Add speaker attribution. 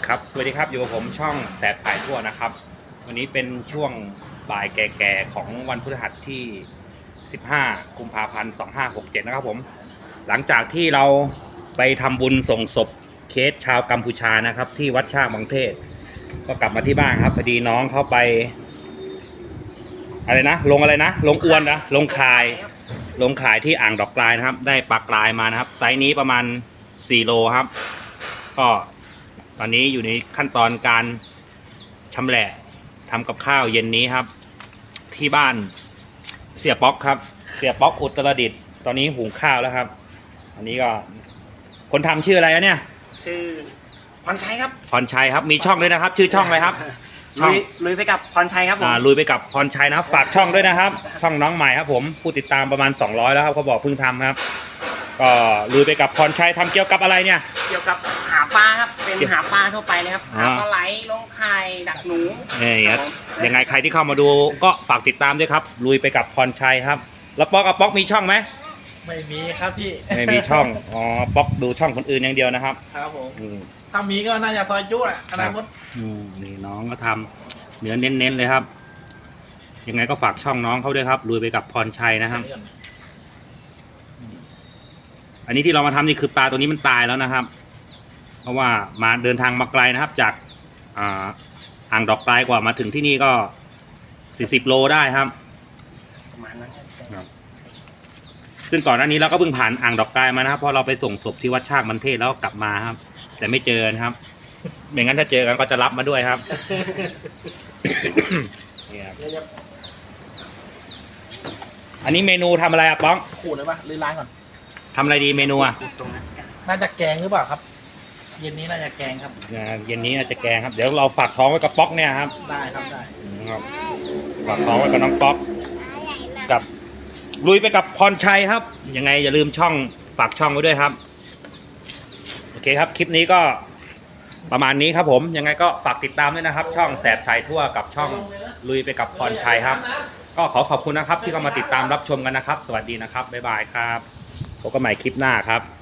Speaker 1: ครับสวัสดีครับอยู่กับผมช่องแสบถ่ายทั่วนะครับวันนี้เป็นช่วงบ่ายแก่ๆของวันพฤหัสที่15กุมภาพันธ์2567นะครับผมหลังจากที่เราไปทำบุญส่งศพเคสชาวกัมพูชานะครับที่วัดช่างบางเทศก็กลับมาที่บ้านครับพอดีน้องเข้าไปอะไรนะลงอะไรนะลงอวนนะลงข่ายที่อ่างดอกกลายนะครับได้ปลากรายมานะครับไซส์นี้ประมาณ4 โลครับก็ตอนนี้อยู่ในขั้นตอนการชำแหละทำกับข้าวเย็นนี้ครับที่บ้านเสียป๊อกครับเสียป๊อกอุตรดิตถ์ตอนนี้หุงข้าวแล้วครับอันนี้ก็คนทำชื่ออะไรเนี่ย
Speaker 2: ชื่อพรชัยครับ
Speaker 1: พรชัยครับมีช่องด้วยนะครับชื่อช่องอะไรครับ
Speaker 2: ลุยไปกับพรชัยครับผม
Speaker 1: ลุยไปกับพรชัยนะครับฝากช่องด้วยนะครับช่องน้องใหม่ครับผมผู้ติดตามประมาณ200แล้วครับเขาบอกเพิ่งทำครับก็ลุยไปกับพรชัยทำเกี่ยวกับอะไรเนี่ย
Speaker 2: เกี่ยวกับหาปลาครับเป็นหาปลาทั่วไปเลยครับหาปลาไหลลงไข่ดักหนู
Speaker 1: ยังไงใครที่เข้ามาดูก็ฝากติดตามด้วยครับลุยไปกับพรชัยครับแล้วป๊อกกับป๊อกมีช่องไหม
Speaker 3: ไม่มีครับพี่
Speaker 1: ไม่มีช่องอ๋อป๊อกดูช่องคนอื่นอย่างเดียวนะครับ
Speaker 3: ครับผมถ้ามีก็น่าจะซอยจุ๊อนาคต
Speaker 1: นี่น้องก็ทำเนื้อเน้นๆเลยครับยังไงก็ฝากช่องน้องเขาด้วยครับลุยไปกับพรชัยนะครับอันนี้ที่เรามาทำนี่คือปลาตัวนี้มันตายแล้วนะครับเพราะว่ามาเดินทางมาไกลนะครับจากอ่างดอกไกลกว่ามาถึงที่นี่ก็40 โลได้ครับ
Speaker 2: ประมาณนั้นครับ
Speaker 1: ซึ่งก่อนหน้านี้เราก็เพิ่งผ่านอ่างดอกไกลมานะครับเพราะเราไปส่งศพที่วัดชากมันเทศแล้วกลับมาครับแต่ไม่เจอนะครับไม่งั้นถ้าเจอกันก็จะรับมาด้วยครับอันนี้เมนูทำอะไรอะป้อง
Speaker 3: ขูดเลยปะหรือล้างก่อน
Speaker 1: ทำอะไรดีเมนูอะ
Speaker 3: น่าจะแกงหรือเปล่าครับเย็นนี้น่าจะแกงครับ
Speaker 1: เย็นนี้น่าจะแกงครับเดี๋ยวเราฝากท้องไว้กับป๊อกเนี่ยครับ
Speaker 3: ได้ครับได้
Speaker 1: ครับฝากท้องไว้กับน้องป๊อกกับลุยไปกับพรชัยครับยังไงอย่าลืมช่องฝากช่องไว้ด้วยครับโอเคครับคลิปนี้ก็ประมาณนี้ครับผมยังไงก็ฝากติดตามด้วยนะครับช่องแสบถ่ายทั่วกับช่องลุยไปกับพรชัยครับก็ขอบคุณนะครับที่เข้ามาติดตามรับชมกันนะครับสวัสดีนะครับบ๊ายบายครับพบกันใหม่คลิปหน้าครับ